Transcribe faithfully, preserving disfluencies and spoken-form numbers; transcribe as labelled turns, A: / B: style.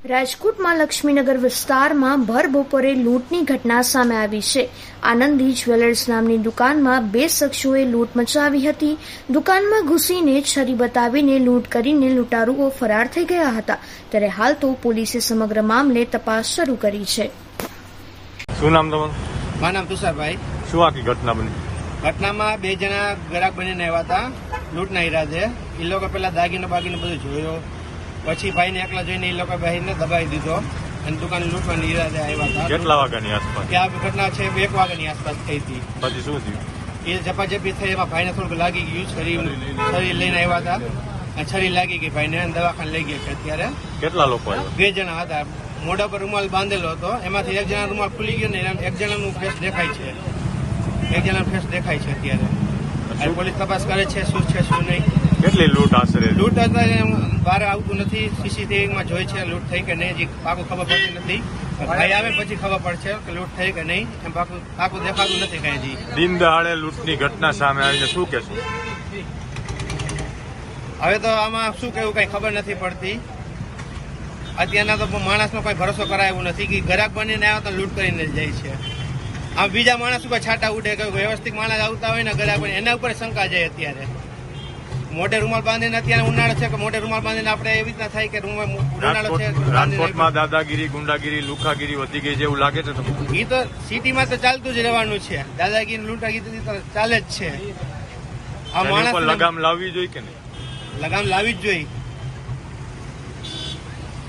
A: રાજકોટમાં લક્ષ્મીનગર વિસ્તારમાં ભર બપોરે લૂંટની ઘટના સામે આવી છે. આનંદી જ્વેલર્સ નામની દુકાનમાં બે શખ્સોએ લૂંટ મચાવી હતી. દુકાનમાં ઘૂસીને છરી બતાવીને લૂંટ કરીને લૂંટારુઓ ફરાર થઈ ગયા હતા. ત્યારે હાલ તો પોલીસે સમગ્ર મામલે તપાસ શરૂ કરી છે.
B: શું નામ તમારું?
C: મારું નામ તુષારભાઈ.
B: શું આખી ઘટના બની?
C: ઘટનામાં બે જણા ગ્રાહક બનીને આવ્યા હતા લૂંટના ઈરાદે. એ લોકો પેલા દાગીને બાગીને બધું જોયો, પછી ભાઈને એકલા જોઈને એ લોકો ભાઈને દબાવી દીધો અને દુકાન લૂંટવાની ઈરાદે આવ્યા હતા.
B: કેટલા વાગ્યાની આસપાસ?
C: કે આ ઘટના છે એક વાગ્યાની આસપાસ થઈ હતી.
B: પછી શું થયું?
C: એ ઝપાઝપી થઈ, એમાં ભાઈને થોડુંક લાગી ગયું. છરી છરી લઈને આવ્યા હતા અને છરી લાગી ગઈ ભાઈને અને દવાખાને લઈ ગયા છે. અત્યારે
B: કેટલા લોકો આવ્યા?
C: બે જણા હતા. મોઢા પર રૂમાલ બાંધેલો હતો, એમાંથી એક જણા રૂમાલ ખુલી ગયો ને એક જણાનું ફેસ દેખાય છે. એક જણાનું ફેસ દેખાય છે અત્યારે. પોલીસ તપાસ કરે છે શું છે શું નહીં.
B: કેટલી લૂંટ આશરે?
C: લૂંટ બહાર આવતું નથી. સીસીટીવીમાં જોઈ છે લૂંટ થઈ કે નહીં, હજી પાકું ખબર પડતી નથી. ભાઈ આવે પછી ખબર પડશે કે લૂંટ થઈ કે નહીં. એમ પાકું પાકું દેખાતું નથી કઈ હજી.
B: દિન દહાડે લૂંટની ઘટના સામે આવીને શું કહેશું?
C: હવે તો આમાં શું કહેવું કઈ ખબર નથી પડતી. અત્યારના તો માણસનો કોઈ ભરોસો કરાય એવું નથી કે ગ્રાહક બનીને આવ્યા તો લૂંટ કરીને જાય છે. આ બીજા માણસ ઉપર છાંટા ઉડે કે વ્યવસ્થિત માણસ આવતા હોય ને ગ્રાહક બની એના ઉપર શંકા જાય. અત્યારે મોઢે રૂમાલ બાંધીને, અત્યારે ઉનાળો છે કે મોઢે રૂમાલ બાંધીને આપણે એવી રીતના થાય કે ઉનાળો છે.
B: રાજકોટમાં દાદાગીરી, ગુંડાગીરી, લુખાગીરી વધી ગઈ છે એવું લાગે છે તમને?
C: એ તો સિટીમાં તો ચાલતું જ રહેવાનું છે. દાદાગીરી, લૂંટાગીરી તો ચાલે જ છે. આ માણસ
B: લગામ લાવવી જોઈએ કે નહીં?
C: લગામ લાવવી જ જોઈએ.